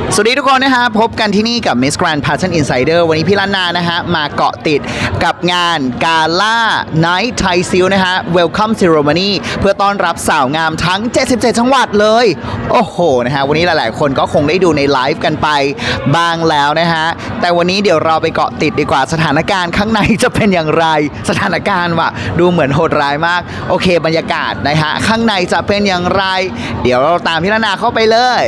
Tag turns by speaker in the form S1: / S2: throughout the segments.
S1: สวัสดีทุกคนนะฮะพบกันที่นี่กับ Miss Grand Pageant Insider วันนี้พี่ล้านนานะฮะมาเกาะติดกับงานกาล่า Night Thai Seal นะฮะ Welcome Ceremony เพื่อต้อนรับสาวงามทั้ง 77 จังหวัดเลย โอ้โหนะฮะวันนี้หลายๆคนก็คงได้ดูในไลฟ์กันไปบ้างแล้วนะฮะแต่วันนี้เดี๋ยวเราไปเกาะติดดีกว่าสถานการณ์ข้างในจะเป็นอย่างไรสถานการณ์ว่ะดูเหมือนโหดร้ายมากโอเคบรรยากาศนะฮะข้างในจะเป็นอย่างไรเดี๋ยวเราตามพี่ล้านนาเข้าไปเลย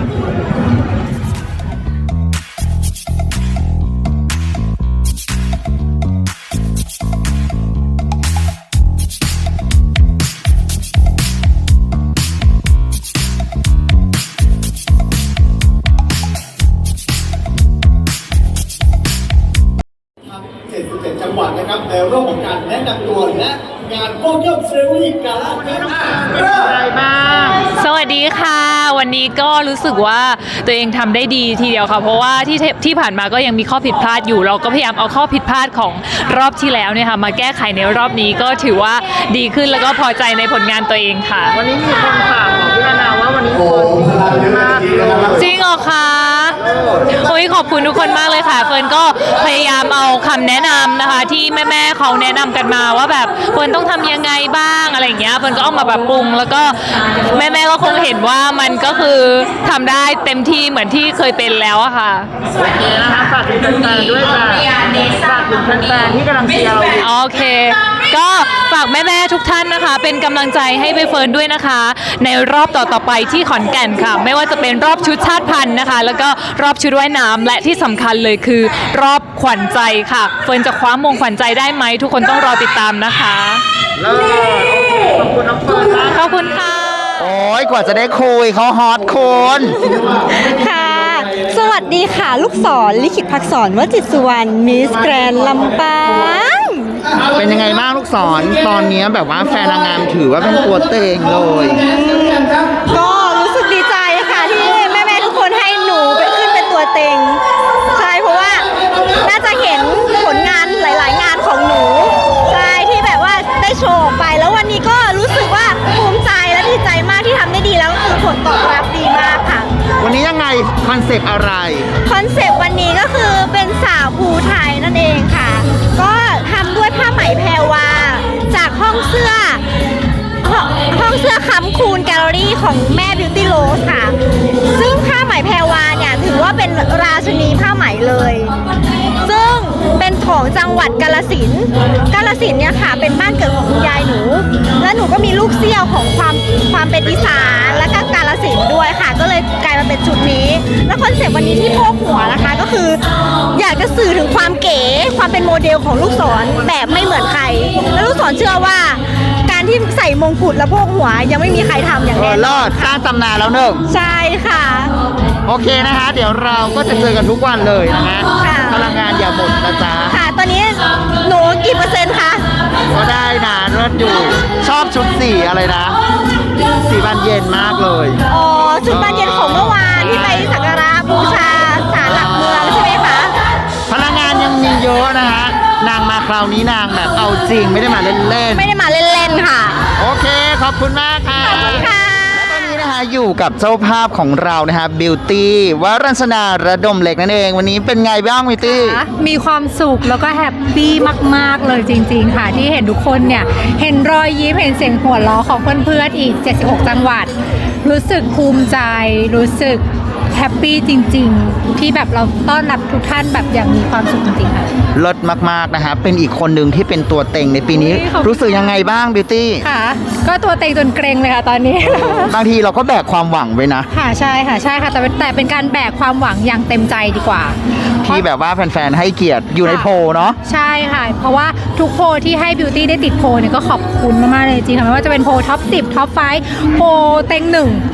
S2: 77 จังหวัดนะครับในเรื่องของการแนะนำตัวและงานโปรโมทเซอร์วิสการ
S3: สวัสดีค่ะวันนี้ก็รู้สึกว่าตัวเองทำได้ดีทีเดียวค่ะเพราะว่าที่ผ่านมาก็ยังมีข้อผิดพลาดอยู่เราก็พยายามเอาข้อผิดพลาดของรอบที่แล้วเนี่ยค่ะมาแก้ไขในรอบนี้ก็ถือว่าดีขึ้นแล้วก็พอใจในผลงานตัวเองค่ะ
S4: วันนี้มีคนถามของพี่นานาว่าวันนี้คนมาก
S3: จริงเหรอคะโอ้ยขอบคุณทุกคนมากเลยค่ะเฟิร์นก็พยายามเอาคำแนะนำนะคะที่แม่ๆเขาแนะนำกันมาว่าแบบเฟิร์นต้องทำยังไงบ้างอะไรอย่างเงี้ยเฟิร์นก็เอามาปรับปรุงแล้วก็แม่ๆก็คงเห็นว่ามันก็คือทำได้เต็มที่เหมือนที่เคยเป็นแล้วอะค่ะ
S4: โอเคนะคะฝากถึงแฟนๆด้วยค่ะฝากถึงแฟนๆที่กำลังเชียร์เราอยู่
S3: โอเคก็ฝากแม่ๆทุกท่านนะคะเป็นกำลังใจให้ใบเฟิร์นด้วยนะคะในรอบต่อๆไปที่ขอนแก่นค่ะไม่ว่าจะเป็นรอบชุดชาติพันธุ์นะคะแล้วก็รอบชุดว่ายน้ำและที่สำคัญเลยคือรอบขวัญใจค่ะเฟิร์นจะคว้ามงขวัญใจได้ไหมทุกคนต้องรอติดตามนะคะ
S4: ขอบคุณน้องเฟิร์นมาก
S3: ขอบคุณค่ะ
S1: โอ้ยกว่าจะได้คุยเขาฮอตคน
S5: ค่ะสวัสดีค่ะลูกศรลิขิตภักษรวจิตสุวรรณมิสแกรนด์ลำปาง
S1: เป็นยังไงบ้างลูกศรตอนนี้แบบว่าแฟนนางงามถือว่าเป็นตัวเต็งเลย
S5: ก็รู้สึกดีใจค่ะที่แม่ๆทุกคนให้หนูไปขึ้นเป็นตัวเต็งใช่เพราะว่าน่าจะเห็นผลงานหลายๆงานของหนูใช่ที่แบบว่าได้โชว์ไปแล้ววันนี้ก็รู้สึกว่าภูมิใจและดีใจมากที่ทำได้ดีแล้วคือผลตอบรับดีมากค่ะ
S1: วันนี้ยังไงคอนเซปต์อะไร
S5: คอนเซปต์วันนี้ก็คือเป็นสาวภูไทยนั่นเองค่ะก็ทำด้วยผ้าไหมแพรวาจากห้องเสื้อค้ำคูณแกลเลอรี่ของแม่บิวตี้โรสค่ะซึ่งผ้าไหมแพรวาเนี่ยถือว่าเป็นราชินีผ้าไหมเลยซึ่งเป็นของจังหวัดกาฬสินธุ์เนี่ยค่ะเป็นบ้านเกิดของคุณยายหนูและหนูก็มีลูกเสี้ยวของความเป็นอีสานและก็กาฬสินธุ์ด้วยค่ะก็เลยกลายมาเป็นชุดนี้และคอนเซ็ปต์วันนี้ที่โพกหัวนะคะก็คืออยากจะสื่อถึงความเก๋ความเป็นโมเดลของลูกศรแบบไม่เหมือนใครและลูกศรเชื่อว่าการที่ใส่มงกุฎและโพกหัวยังไม่มีใครทำอย่างแน่
S1: นอนสร้างตำนานแล้วหนึ่ง
S5: ใช่ค่ะ
S1: โอเคนะคะเดี๋ยวเราก็จะเจอกันทุกวันเลยนะฮะพลังงานอย่าหมดนะจ๊ะ
S5: ค่ะตอนนี้หนูกี่เปอร์เซ็นต์คะ
S1: ก็ได้นะเลิศอยู่ชอบชุดสีอะไรนะสีบานเย็นมากเลย
S5: อ๋อชุดบานเย็นของเมื่อวานที่ไปสักการะบูชาศาลหลักเมืองใช่ไหมคะ
S1: พลังงานยังมีเยอะนะฮะนางมาคราวนี้นางแบบเอาจริงไม่ได้มาเล่นๆ
S5: ไม่ได้มาเล่นๆค่ะ
S1: โอเคขอบคุณมากค่ะ
S5: ขอบคุณค่ะ
S1: และตอนนี้นะคะอยู่กับเจ้าภาพของเรานะฮะบิวตี้วรัญชนาระดมเหล็กนั่นเองวันนี้เป็นไงบ้างบิวตี้
S6: มีความสุขแล้วก็แฮปปี้มากๆเลยจริงๆค่ะที่เห็นทุกคนเนี่ยเห็นรอยยิ้มเห็นเสียงหัวเราะของเพื่อนๆอีก76จังหวัดรู้สึกภูมิใจรู้สึกแฮปปี้จริงๆที่แบบเราต้อนรับทุกท่านแบบอย่างมีความสุขจริงๆค่ะ
S1: ลดมากๆนะฮะเป็นอีกคนหนึ่งที่เป็นตัวเต็งในปีนี้รู้สึกยังไงบ้างบิวตี้
S6: ค่ะก็ตัวเต็งจนเกรงเลยค่ะตอนนี้
S1: บางทีเราก็แบกความหวังไว้นะ
S6: ค่ะใช่ค่ะแต่เป็นการแบกความหวังอย่างเต็มใจดีกว่า
S1: ที่แบบว่าแฟนๆให้เกียรติอยู่ในโพลเนาะ
S6: ใช่ค่ะเพราะว่าทุกโพลที่ให้บิวตี้ได้ติดโพลเนี่ยก็ขอบคุณมากๆเลยจริงค่ะไม่ว่าจะเป็นโพลท็อป10ท็อป5โพลเต็ง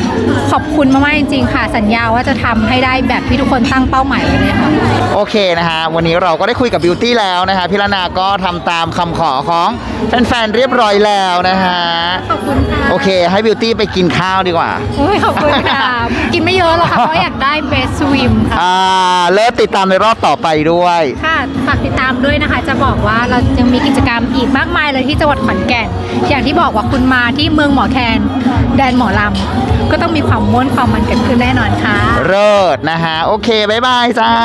S6: 1ขอบคุณมากๆจริงๆค่ะสัญญาว่าจะทำให้ได้แบบที่ทุกคนตั้งเป้าหมายไว้เลยค่ะ
S1: โอเคนะฮะวันนี้เราก็ได้คุยกับบิวตี้แล้วนะฮะพี่ล้านนาก็ทำตามคำขอของแฟนๆเรียบร้อยแล้วนะฮะ
S6: ขอบคุณค่ะ
S1: โอเคให้บิวตี้ไปกินข้าวดีกว่า
S6: ขอบคุณค่ะกินไม่เยอะเยอะหรอกค่ะ เพราะอยากได้ Best Swim ค่ะ
S1: เลิศติดตามในรอบต่อไปด้วย
S6: ค่ะฝากติดตามด้วยนะคะ จะบอกว่าเรายังมีกิจกรรมอีกมากมายเลยที่จังหวัดขอนแก่น อย่างที่บอกว่าคุณมาที่เมืองหมอแคนแดนหมอลำก็ต้องมีความม่วนความมันเกิดขึ้นแน่นอนค่ะ
S1: เลิศนะฮะ โอเค บ๊ายบายจ้า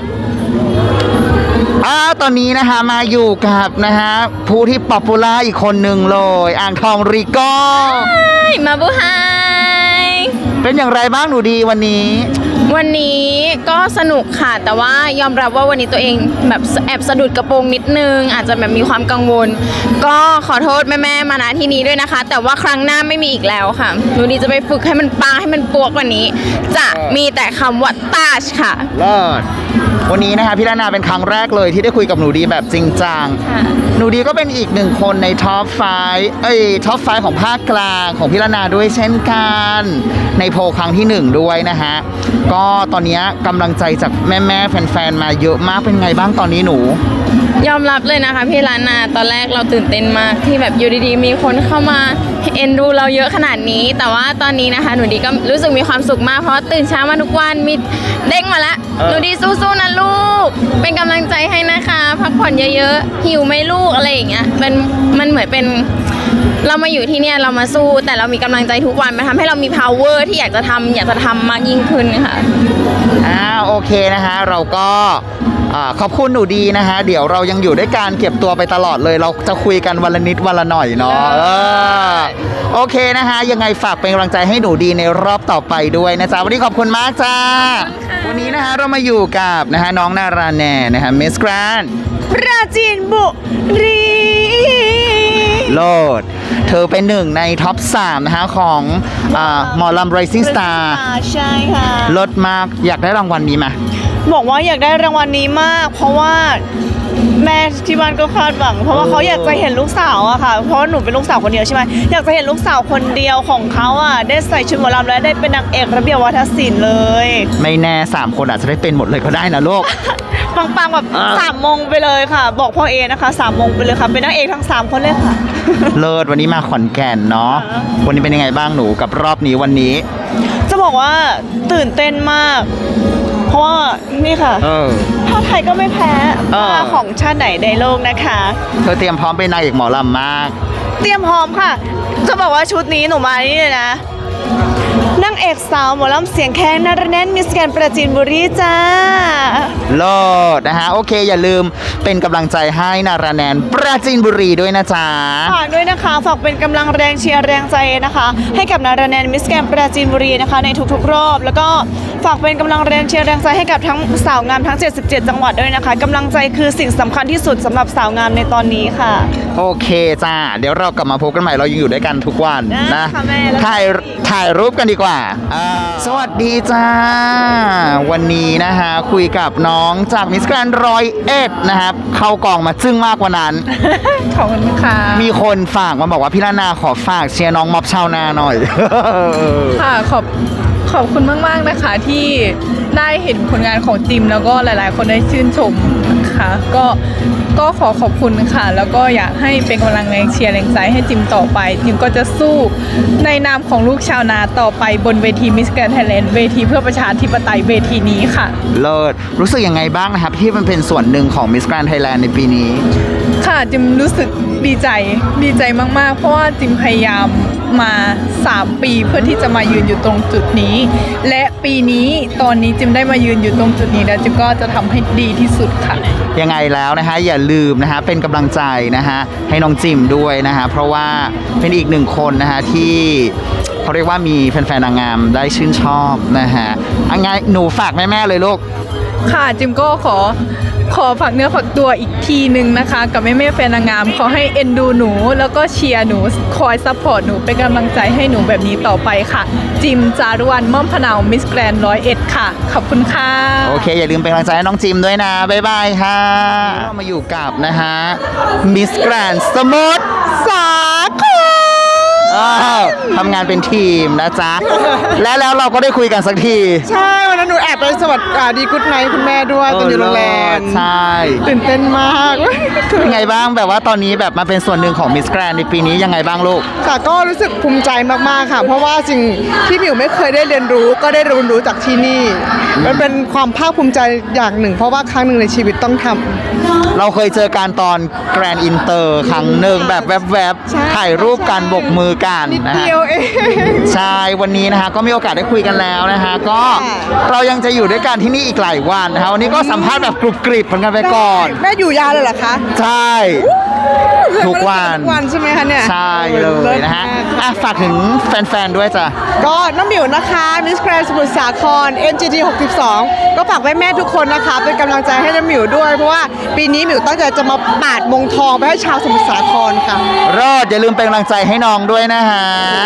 S1: ตอนนี้นะคะมาอยู่กับนะฮะผู้ที่ป๊อปปูล่าอีกคนหนึ่งเลยอ่างทองริโก้
S7: มาบูไฮ
S1: เป็นอย่างไรบ้างหนูดีวันนี้
S7: วันนี้ก็สนุกค่ะ แต่ว่ายอมรับว่าวันนี้ตัวเองแบบแอบสะดุดกระโปรงนิดนึง อาจจะแบบมีความกังวล ก็ขอโทษแม่ๆมาณที่นี้ด้วยนะคะ แต่ว่าครั้งหน้าไม่มีอีกแล้วค่ะหนูดีจะไปฝึกให้มันปังให้มันปัวกว่านี้ จะมีแต่คำว่าตาชค่ะ
S1: เลิศวันนี้นะคะพี่ลานาเป็นครั้งแรกเลยที่ได้คุยกับหนูดีแบบจริงจัง
S7: ค่ะ
S1: หนูดีก็เป็นอีกหนึ่งคนในท็อปท็อปไฟของภาคกลางของพี่ลานาด้วยเช่นกันในโพลครั้งที่หนึ่งด้วยนะฮะก็ตอนนี้กำลังใจจากแม่ๆแฟนๆมาเยอะมากเป็นไงบ้างตอนนี้หนู
S7: ยอมรับเลยนะคะพี่ล้านนาตอนแรกเราตื่นเต้นมากที่แบบอยู่ดีๆมีคนเข้ามาเอ็นดูเราเยอะขนาดนี้ แต่ว่าตอนนี้นะคะหนูดีก็รู้สึกมีความสุขมากเพราะตื่นเช้ามาทุกวันมีเด้งมาแล้วหนูดีสู้ๆนะลูกเป็นกำลังใจให้นะคะพักผ่อนเยอะๆหิวไหมลูกอะไรอย่างเงี้ยมันเหมือนเป็นเรามาอยู่ที่เนี่ยเรามาสู้แต่เรามีกำลังใจทุกวันมันทำให้เรามี power ที่อยากจะทำมากยิ่งขึ้นค่ะ
S1: โอเคนะฮะเราก็ขอบคุณหนูดีนะฮะเดี๋ยวเรายังอยู่ด้วยการเก็บตัวไปตลอดเลยเราจะคุยกันวันละนิดวันละหน่อยเนาะโอเคนะฮะยังไงฝากเป็นกำลังใจให้หนูดีในรอบต่อไปด้วยนะจ๊ะวันนี้ขอบคุณมากจ้าวันนี้นะฮะเรามาอยู่กับนะฮะน้องนาราแนนะฮะมิสแกรน
S5: ปราจีนบุรี
S1: โลดเธอเป็นหนึ่งในท็อป 3 นะฮะของหมอลำ Rising Star
S5: ใช่ค่ะ
S1: ลดมากอยากได้รางวัลนี้มา
S5: บอกว่าอยากได้รางวัลนี้มาก เพราะว่าแม่ที่บ้านก็คาดหวัง เพราะว่าเขาอยากจะเห็นลูกสาวอะค่ะ เพราะว่าหนูเป็นลูกสาวคนเดียวใช่ไหมอยากจะเห็นลูกสาวคนเดียวของเขาอะได้ใส่ชุดหมอลำและได้เป็นนางเอกระเบียบวัฒนศิลป์เลย
S1: ไม่แน่ 3 คนอาจจะได้เป็นหมดเลยก็ได้นะลูก
S5: ปังๆแบบ3 โมงไปเลยค่ะ บอกพ่อเอนะคะ3 โมงไปเลยค่ะเป็นนางเอกทั้ง3 คนเลยค่ะ
S1: เลิศวันนี้มาขอนแก่นเนาะวันนี้เป็นยังไงบ้างหนูกับรอบนี้วันนี้
S5: จะบอกว่าตื่นเต้นมาก เพราะว่านี่ค่ะผ้าไทยก็ไม่แพ้ผ้าของชาติไหนในโลกนะคะ
S1: เธอเตรียมพร้อมเป็นนางเอกหมอลำมาก
S5: เตรียมพร้อมค่ะ จะบอกว่าชุดนี้หนูมานี่เลยนะนางเอกสาวหมอลำเสียงแค้นนารแน่นมิสแกรนด์ปราจีนบุรีจ้า
S1: โลดนะฮะโอเคอย่าลืมเป็นกำลังใจให้นาราแนนปราจีนบุรีด้วยนะจ๊ะ
S5: ฝากด้วยนะคะฝากเป็นกำลังแรงเชียร์แรงใจนะคะ ให้กับนารแนนมิสแกรนด์ปราจีนบุรีนะคะในทุกๆรอบ แล้วก็ฝากเป็นกำลังแรงเชียร์แรงใจให้กับทั้งสาวงามทั้ง 77 จังหวัดด้วยนะคะกำลังใจคือสิ่งสำคัญที่สุดสำหรับสาวงามในตอนนี้ค่ะ
S1: โอเคจ้าเดี๋ยวเรากลับมาพบกันใหม่เรายังอยู่ด้วยกันทุกวัน
S5: ได้
S1: นะ
S5: ค่ะแม่แล้ว
S1: ถ่ายรูปกันดีกว่าสวัสดีจ้าวันนี้นะฮะคุยกับน้องจากมิสแกรนด์101นะครับเข้ากองมาจึ้งมากกว่านั้น
S6: ขอบคุณค่ะ
S1: มีคนฝากมาบอกว่าพี่ลานาขอฝากเชียร์น้องม็อบชาวนาหน่อย
S8: ค่ะขอบคุณมากๆนะคะที่ได้เห็นผลงานของจิมแล้วก็หลายๆ คนได้ชื่นชมนะคะก็ขอขอบคุณค่ะ แล้วก็อยากให้เป็นกำลังแรงเชียร์แรงใจให้จิมต่อไปจิมก็จะสู้ในนามของลูกชาวนาต่อไปบนเวทีมิสแกรนด์ไทยแลนด์เวทีเพื่อประชาธิปไตยเวทีนี้ค่ะ
S1: เลิศรู้สึกยังไงบ้างนะครับที่มันเป็นส่วนหนึ่งของมิสแกรนด์ไทยแลนด์ในปีนี้
S8: ค่ะจิมรู้สึกดีใจมากๆ เพราะว่าจิมพยายามมา3 ปีเพื่อที่จะมายืนอยู่ตรงจุดนี้ และปีนี้ตอนนี้จิมได้มายืนอยู่ตรงจุดนี้แล้วจิมก็จะทำให้ดีที่สุดค่ะ
S1: ยังไงแล้วนะฮะอย่าลืมนะฮะเป็นกำลังใจนะฮะให้น้องจิมด้วยนะฮะเพราะว่าเป็นอีกหนึ่งคนนะฮะที่เขาเรียกว่ามีแฟนๆนางงามได้ชื่นชอบนะฮะไงหนูฝากแม่ๆเลยลูก
S8: ค่ะจิมก็ขอฝากเนื้อฝากตัวอีกทีหนึ่งนะคะ กับแม่แฟนนางงามขอให้เอ็นดูหนูแล้วก็เชียร์หนูคอยซัพพอร์ตหนูเป็นกำลังใจให้หนูแบบนี้ต่อไปค่ะ จิมจารุวรรณม่อมพะเนามิสแกรนด์101ค่ะขอบคุณค่ะ
S1: โอเคอย่าลืมเป็นกำลังใจให้น้องจิมด้วยนะบ๊ายบายค่ะเรามาอยู่กับนะฮะมิสแกรนด์สมุทรสาครเออทำงานเป็นทีมนะจ๊ะ และแล้วเราก็ได้คุยกันสักที
S4: ใช่วันนั้นหนูแอบไปสวัสดีกุ๊ดไนท์คุณแม่ด้วยตอนอยู่โรงแรม
S1: ใช่
S4: ตื่นเต้นมาก
S1: เป็นไงบ้างแบบว่าตอนนี้แบบมาเป็นส่วนหนึ่งของมิสแกรนในปีนี้ยังไงบ้างลูก
S4: ค่ะก็รู้สึกภูมิใจมากๆค่ะ เพราะว่าสิ่งที่หมิวไม่เคยได้เรียนรู้ก็ได้เรียนรู้จากที่นี่ มันเป็นความภาคภูมิใจอย่างหนึ่ง เพราะว่าครั้งหนึ่งในชีวิตต้องทำ
S1: เราเคยเจอการตอนแกรนด์อินเตอร์ครั้งหนึ่งแบบแวบ
S4: ใช่
S1: ๆถ่ายรูปกันบกมือกัน
S4: นิด
S1: นะฮะ
S4: เดียวเอง
S1: ใช่วันนี้นะฮะก็มีโอกาสได้คุยกันแล้วนะฮะก็
S4: ค่ะ
S1: เรายังจะอยู่ด้วยกันที่นี่อีกหลายวันนะฮะวันนี้ก็สัมภาษณ์แบบกรุบกริบเหมือนกันไปก่อน
S4: แม่อยู่ยาวเลยเหรอคะ
S1: ใช่ ทุกวัน
S4: ทุกวันใช่ไหมคะเนี่ย
S1: ใช่เลยนะฮะอ่ะฝากถึงแฟนๆด้วยจ้ะ
S4: ก็น้องหมิวนะคะมิสแกรนสมุทรสาคร NGT 62 ก็ฝากแม่ๆทุกคนนะคะ เป็นกำลังใจให้น้องหมิวด้วย เพราะว่าปีนี้หมิวตั้งใจจะมาปาดมงทองไปให้ชาวสมุทรสาครค่ะ
S1: รอดอย่าลืมเป็นกำลังใจให้น้องด้วยนะฮะ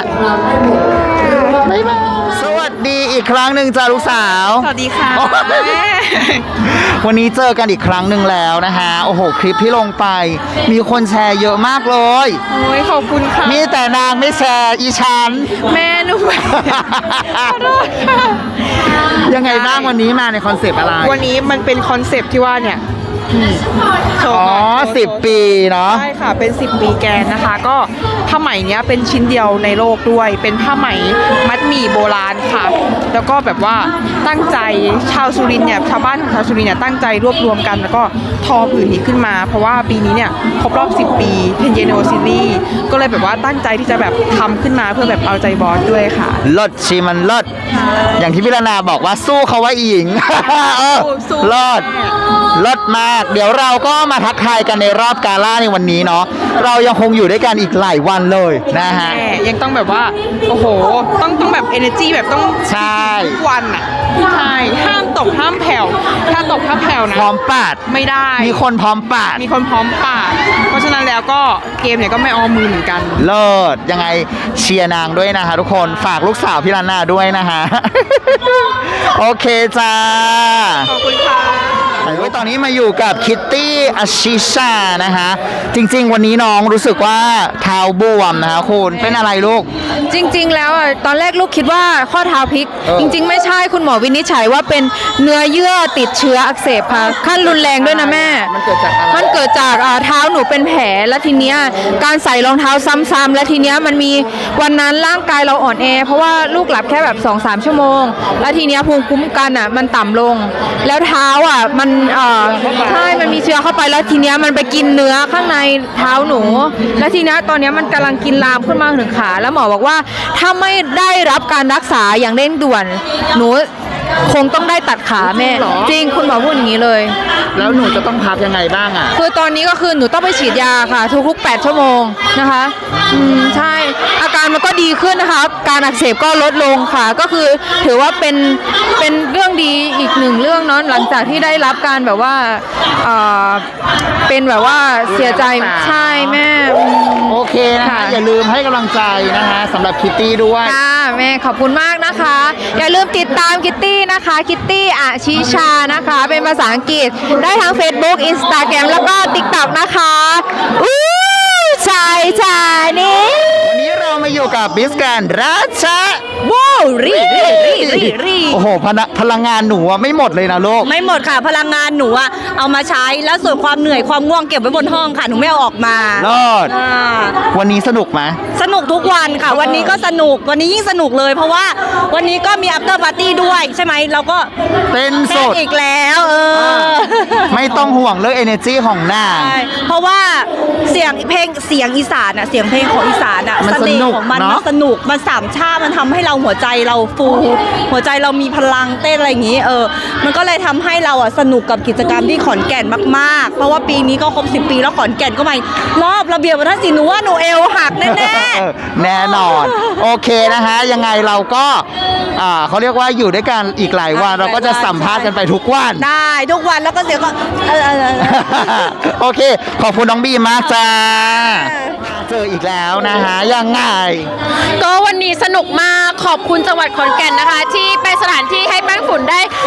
S1: บ๊ายบายสวัสดีอีกครั้งหนึ่งจ้าลูกสาว
S4: สวัสดีค่ะ
S1: โอ้ยวันนี้เจอกันอีกครั้งหนึ่งแล้วนะฮะ โอ้โห คลิปที่ลงไป มีคนแชร์เยอะมากเลย
S4: โอ้ยขอบคุณค่ะ
S1: มีแต่นางไม่แชร์อีฉัน
S4: แม่หนูขอโทษค่ะ
S1: ยังไงบ้างวันนี้มาในคอนเซปต์อะไร
S4: วันนี้มันเป็นคอนเซปต์ที่ว่าเนี่ยโชว์
S1: อ๋อ
S4: หน่อยโชว์
S1: 10 ปีเนาะ
S4: ใช่ค่ะ เป็น 10 ปีแกนนะคะ ก็ผ้าไหมเนี้ยเป็นชิ้นเดียวในโลกด้วย เป็นผ้าไหมมัดหมี่โบราณค่ะ แล้วก็แบบว่าตั้งใจชาวสุรินทร์เนี่ย ชาวบ้านของชาวสุรินทร์เนี่ยตั้งใจรวบรวมกัน แล้วก็ทอผืนนี้ขึ้นมา เพราะว่าปีนี้เนี่ยครบรอบ 10 ปีเพนเยโนซิลีก็เลยแบบว่าตั้งใจที่จะแบบทำขึ้นมาเพื่อแบบเอาใจบอสด้วยค่ะ
S1: เลิศชีมันเลิศอย่างที่พี่รนาบอกว่าสู้เขาไว้อีหญิง เออ
S4: สู้
S1: เลิศเลิศมาก เดี๋ยวเราก็มาทักทายกันในรอบกาล่าในวันนี้เนาะเรายังคงอยู่ด้วยกันอีกหลายวันเลยนะฮะ
S4: แม่ยังต้องแบบว่า โอ้โห ต้องแบบ energy แบบต้อง
S1: ใช่
S4: ทุกวันอ่ะใช่ห้ามตกห้ามแผ่วถ้าตกถ้าแผ่วนะ
S1: พร้อมปาด
S4: ไม่ได้
S1: มีคนพร้อมปาด
S4: มีคนพร้อมปาดเพราะฉะนั้นแล้วก็เกมเนี่ยก็ไม่ออมมือเหมือนกัน
S1: เลิศยังไงเชียร์นางด้วยนะคะทุกคนฝากลูกสาวพี่ลานาด้วยนะคะ โอเคจ้า
S4: ขอบคุณค่ะ
S1: ตอนนี้มาอยู่กับคิตตี้อาชิชานะคะจริงๆ วันนี้น้องรู้สึกว่าเท้าบวมนะคะคุณเป็นอะไรลูก
S6: จริงๆ แล้วอ่ะตอนแรกลูกคิดว่าข้อเท้าพลิก
S1: เออ
S6: จริงๆ ไม่ใช่คุณหมอวินิจฉัยว่าเป็นเนื้อเยื่อติดเชื้ออักเสบค่ะขั้นรุนแรงด้วยนะแม่
S1: มันเกิดจากอะไร
S6: มันเกิดจากเท้าหนูเป็นแผลแล้วทีเนี้ยการใส่รองเท้าซ้ำๆและทีเนี้ยมันมีวันนั้นร่างกายเราอ่อนแอ เพราะว่าลูกหลับแค่แบบ 2-3 ชั่วโมง แล้วทีเนี้ยภูมิคุ้มกันอ่ะมันต่ำลง แล้วเท้าอ่ะมันใช่มันมีเชื้อเข้าไปแล้วทีเนี้ยมันไปกินเนื้อข้างในเท้าหนู แล้วทีเนี้ยตอนเนี้ยมันกำลังกินลามขึ้นมาถึงขา แล้วหมอบอกว่าถ้าไม่ได้รับการรักษาอย่างเร่งด่วน หนูคงต้องได้ตัดขาแม่ จริงคุณหมอพูดอย่างนี้เลย
S1: แล้วหนูจะต้องพักยังไงบ้างอ่ะ
S6: คือตอนนี้ก็คือหนูต้องไปฉีดยาค่ะ ทุกๆ 8 ชั่วโมงนะคะใช่ อาการมันก็ดีขึ้นนะคะ การอักเสบก็ลดลงค่ะ ก็คือถือว่าเป็นเรื่องดีอีกหนึ่งเรื่องเนาะหลังจากที่ได้รับการแบบว่าเป็นแบบว่าเสียใจใช่แม่
S1: โอเคนะคะ
S6: ค่ะ
S1: อย่าลืมให้กำลังใจนะคะสำหรับคิตตี้ด้วย
S6: ค่ะแม่ขอบคุณมากนะคะ อย่าลืมติดตามคิตตี้นะคะคิตตี้อาชิชานะคะ เป็นภาษาอังกฤษได้ทั้ง Facebook Instagram แล้วก็ TikTok นะคะอู้ชายนี่
S1: วันนี้เรามาอยู่กับบิสแกรนด์ราชา
S5: ว้าวรี
S1: โอ้โหพลังงานหนูอะไม่หมดเลยนะลูก
S5: ไม่หมดค่ะ พลังงานหนูอะเอามาใช้แล้วส่วนความเหนื่อยความง่วงเก็บไว้บนห้องค่ะ หนูไม่เอาออกมา
S1: รอด
S5: อ่า
S1: วันนี้สนุกไหม
S5: สนุกทุกวันค่ะ วันนี้ก็สนุกวันนี้ยิ่งสนุกเลย เพราะว่าวันนี้ก็มี after party ด้วยใช่ไหมเราก็
S1: เต้นส
S5: เต้น
S1: ด
S5: อีกแล้ว
S1: ไม่ต้องห่วงเรื่อง energy ของนาง
S5: ใช่เพราะว่าเสียงเพลงเสียงอีสานอะเสียงเพลงของอีสานอะ
S1: มัน
S5: เสน่ห์ของมัน
S1: สนุกเนอะ
S5: มันสนุกมันสามชาติมันทำให้เราหัวใจเราฟูหัวใจเรามีพลังเต้นอะไรอย่างนี้มันก็เลยทำให้เราอะสนุกกับกิจกรรมที่ขอนแก่นมากๆ เพราะว่าปีนี้ก็ครบ10 ปีแล้วขอนแก่นก็มารอบระเบียบวัฒนศิลป์หนูว่าหนูเอวหักแน่
S1: แน่นอน โอเคนะฮะ ยังไงเราก็เขาเรียกว่าอยู่ด้วยกันอีกหลายวัน เราก็จะสัมภาษณ์กันไปทุกวัน
S5: ๆได้ทุกวันแล้วก็เสียงก็
S1: โอเค ขอบคุณน้องบีมากจ้า เจออีกแล้วนะฮะ ยังไง
S7: ก็วันนี้สนุกมากขอบคุณจังหวัดขอนแก่นนะคะ ที่เป็นสถานที่ให้แป้งฝุ่นได้กลับ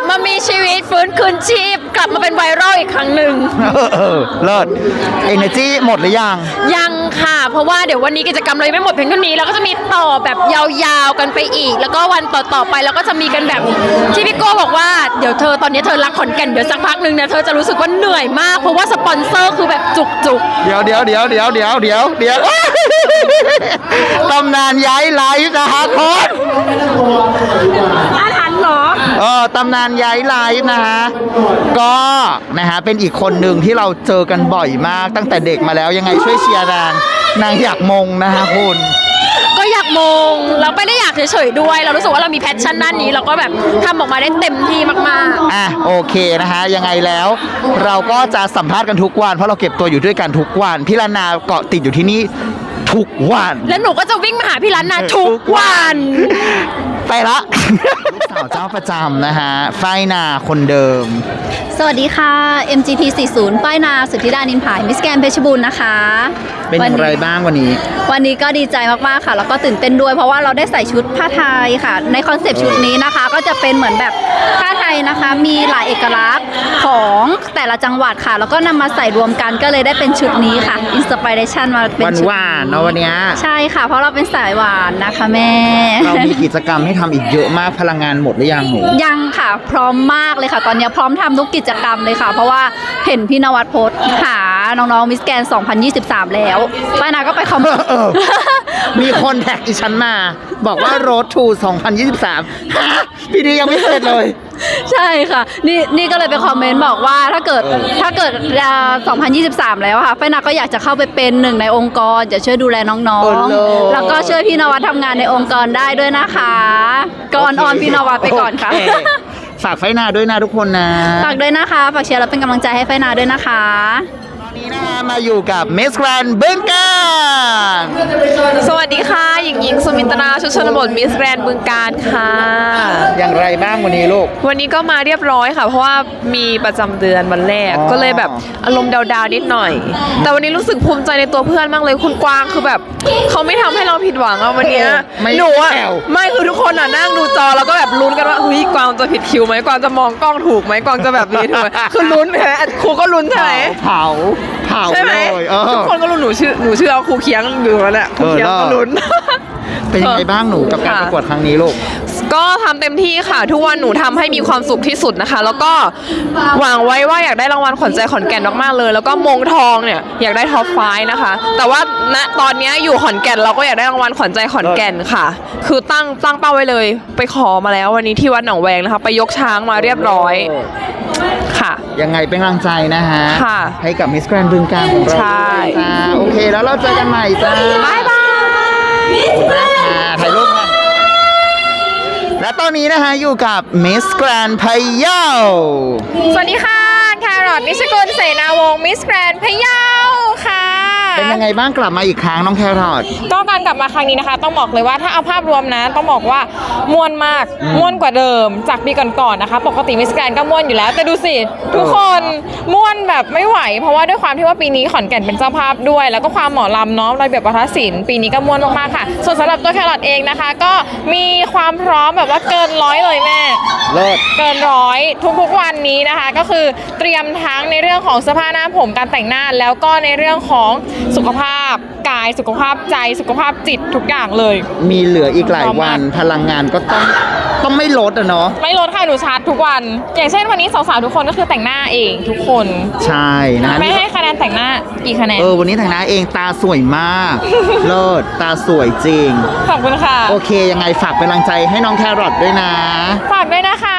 S7: มามีชีวิตฟื้นคืนชีพกลับมาเป็นไวรัลอีกครั้งหนึ่ง
S1: เลิศ Energy หมดหรือยัง
S7: ยังค่ะ เพราะว่าเดี๋ยววันนี้กิจกรรมเรายังไม่หมดเพียงเท่านี้เราก็จะมีต่อแบบยาวๆกันไปอีก แล้วก็วันต่อๆไปเราก็จะมีกันแบบที่พี่โก้บอกว่าเดี๋ยวเธอตอนนี้เธอรักขอนแก่นเดี๋ยวสักพักหนึ่งเนี่ยเธอจะรู้สึกว่าเหนื่อยมากเพราะว่าสปอนเซอร์คือแบบจุกๆ
S1: เดี๋ยวตำนานย้ายไลฟ์นะฮะคน
S5: อาถรรพ์เหรอ
S1: ตำนานย้ายไลฟ์นะฮะ ก็นะฮะเป็นอีกคนหนึ่งที่เราเจอกันบ่อยมากตั้งแต่เด็กมาแล้วยังไงช่วยเชียร์นางอยากมงนะฮะคุณ
S7: ก็อยากมงเราไม่ได้อยากเฉยๆด้วย เรารู้สึกว่าเรามีแพชชั่นด้านนี้เราก็แบบทำออกมาได้เต็มที่มากๆ
S1: โอเคนะฮะยังไงแล้วเราก็จะสัมภาษณ์กันทุกวันเพราะเราเก็บตัวอยู่ด้วยกันทุกวันพี่ลานาเกาะติดอยู่ที่นี่ทุกวัน
S7: แล้วหนูก็จะวิ่งมาหาพี่ร้านนาทุกวัน
S1: ไปละ ลูกสาวเจ้าประจำนะฮะฝ้ายนาคนเดิม
S5: สวัสดีค่ะ MGT 40 ป้ายนาสุทธิดานินผายมิสแกรนด์เพชรบูรณ์นะคะ
S1: เป็นอย่างไรบ้างวันนี้
S5: วันนี้ก็ดีใจมากๆค่ะ แล้วก็ตื่นเต้นด้วยเพราะว่าเราได้ใส่ชุดผ้าไทยค่ะ ในคอนเซปต์ชุดนี้นะคะ ก็จะเป็นเหมือนแบบผ้าไทยนะคะ มีหลายเอกลักษณ์ของแต่ละจังหวัดค่ะ แล้วก็นำมาใส่รวมกันก็เลยได้เป็นชุดนี้ค่ะอินสปิเรชันมาเป็นชุด
S1: หวานๆเนาะวันเนี้ย
S5: ใช่ค่ะ เพราะเราเป็นสายหวานนะคะแม่
S1: เรามีกิจกรรมให้ทำอีกเยอะมากพลังงานหมดหรือยังหนู
S5: ยังค่ะพร้อมมากเลยค่ะ ตอนนี้พร้อมทำทุกกิจกรรมเลยค่ะ เพราะว่าเห็นพี่นวัดโพสต์หาน้องๆมิสแกน2023 แล้วป้านาก็ไปคอมเมนต์
S1: มีคนแท็กอีฉันมา บอกว่า Road to 2023ฮะปีนี้ยังไม่เสร็จเลย
S5: ใช่ค่ะ นี่ก็เลยไปคอมเมนต์บอกว่าถ้าเกิด2023 แล้วค่ะป้านาก็อยากจะเข้าไปเป็นหนึ่งในองค์กรจะช่วยดูแลน้อง
S1: โอ้โห
S5: ๆ แล้วก็ช่วยพี่นวัดทำงานในองค์กรได้ด้วยนะคะก่อนออนพี่นวัดไปก่อนค่ะ
S1: โเคฝากไฟนาด้วยนะทุกคนนะ
S5: ฝากด้วยนะคะ ฝากเชียร์และเป็นกำลังใจให้ไฟนาด้วยนะคะ
S1: ตอนนี้นะฮะมาอยู่กับ Miss Grand บึงกาฬ
S8: สวัสดีค่ะ หญิงสุมินตราชุดชนบทมิสแกรนด์บึงการค่ะ
S1: อย่างไรบ้างวันนี้ลูก
S8: วันนี้ก็มาเรียบร้อยค่ะ เพราะว่ามีประจำเดือนวันแรก
S1: อ๋อ
S8: ก็เลยแบบอารมณ์ดาวๆนิดหน่อย แต่วันนี้รู้สึกภูมิใจในตัวเพื่อนมากเลยคุณกวางคือแบบเขาไม่ทำให้เราผิดหวังอะวันเนี้ย
S1: ไม่
S8: หนูอะ
S1: แผ่ว
S8: ไม่คือทุกคนอะนั่งดูจอแล้วก็แบบลุ้นกันว่าเฮ้ยกวางจะผิดคิวไหมกวางจะมองกล้องถูกไหมกวางจะแบบนี้ถูกไหมคือลุ้นใช่ไหมครูก็ลุ้นใช่ไหม
S1: เผา
S8: ใช่ไหม
S1: เลย
S8: ทุกคนก็ลุ้นหนูเชื่อว่าครูเคียงอยู่แล้วแหละครูเคียงก็ลุ้น
S1: เป็นยังไงบ้างหนูกับการประกวดครั้งนี้ลูก
S8: ก็ทำเต็มที่ค่ะ ทุกวันหนูทำให้มีความสุขที่สุดนะคะ แล้วก็หวังไว้ว่าอยากได้รางวัลขวัญใจขอนแก่นมากๆเลย แล้วก็มงทองเนี่ยอยากได้ท็อปไฟว์นะคะ แต่ว่าณตอนนี้อยู่ขอนแก่นเราก็อยากได้รางวัลขวัญใจขอนแก่นค่ะ คือตั้งเป้าไว้เลย ไปขอมาแล้ววันนี้ที่วัดหนองแวงนะคะ ไปยกช้างมาเรียบร้อยค่ะ
S1: ยังไงเป็นกำลังใจนะฮะ
S8: ค่ะ
S1: ให้กับ Miss Grand บึงกาฬของเรา
S8: ใช่
S1: จ้าโอเคแล้วเราเจอกันใหม่จ้าบ๊ายบายขอบคุณมากค่ะถ่ายรูปกันและตอนนี้นะคะอยู่กับ Miss Grand พะเยา
S7: สวัสดีค่ะแครอทนิชกุลเสนาวงศ์มิสแกรนด์พะเยาค่ะ
S1: เป็นยังไงบ้างกลับมาอีกครั้งน้องแครอท
S7: ก็การกลับมาครั้งนี้นะคะ ต้องบอกเลยว่าถ้าเอาภาพรวมนะต้องบอกว่าม่วนมากม่วนกว่าเดิมจากปีก่อนๆนะคะ ปกติมิสแกรนด์ก็ม่วนอยู่แล้ว แต่ดูสิทุกคนม่วนแบบไม่ไหว เพราะว่าด้วยความที่ว่าปีนี้ขอนแก่นเป็นเจ้าภาพด้วย แล้วก็ความหมอลำเนาะระเบียบวัฒนศิลป์ปีนี้ก็ม่วนมากๆค่ะ ส่วนสำหรับตัวแครอทเองนะคะ ก็มีความพร้อมแบบว่าเกินร้อยเลยแม่
S1: เลิศ
S7: เกินร้อยทุกๆวันนี้นะคะ ก็คือเตรียมทั้งในเรื่องของเสื้อผ้าหน้าผมการแต่งหน้า แล้วก็ในเรื่องของสุขภาพกายสุขภาพใจสุขภาพจิตทุกอย่างเลย
S1: มีเหลืออีกหลายวันพลังงานก็ต้องไม่ลดอะเนาะ
S7: ไม่ลดค่ะหนูชาร์จทุกวัน อย่างเช่นวันนี้สาวๆทุกคนก็คือแต่งหน้าเองทุกคน
S1: ใช่นะ
S7: ไม่ให้คะแนนแต่งหน้ากี่คะแนน
S1: วันนี้แต่งหน้าเองตาสวยมาก เลิศตาสวยจริง
S7: ขอบคุณค่ะ
S1: โอเคยังไงฝากเป็นกำลังใจให้น้องแครอทด้วยนะ
S7: ฝากด้วยนะคะ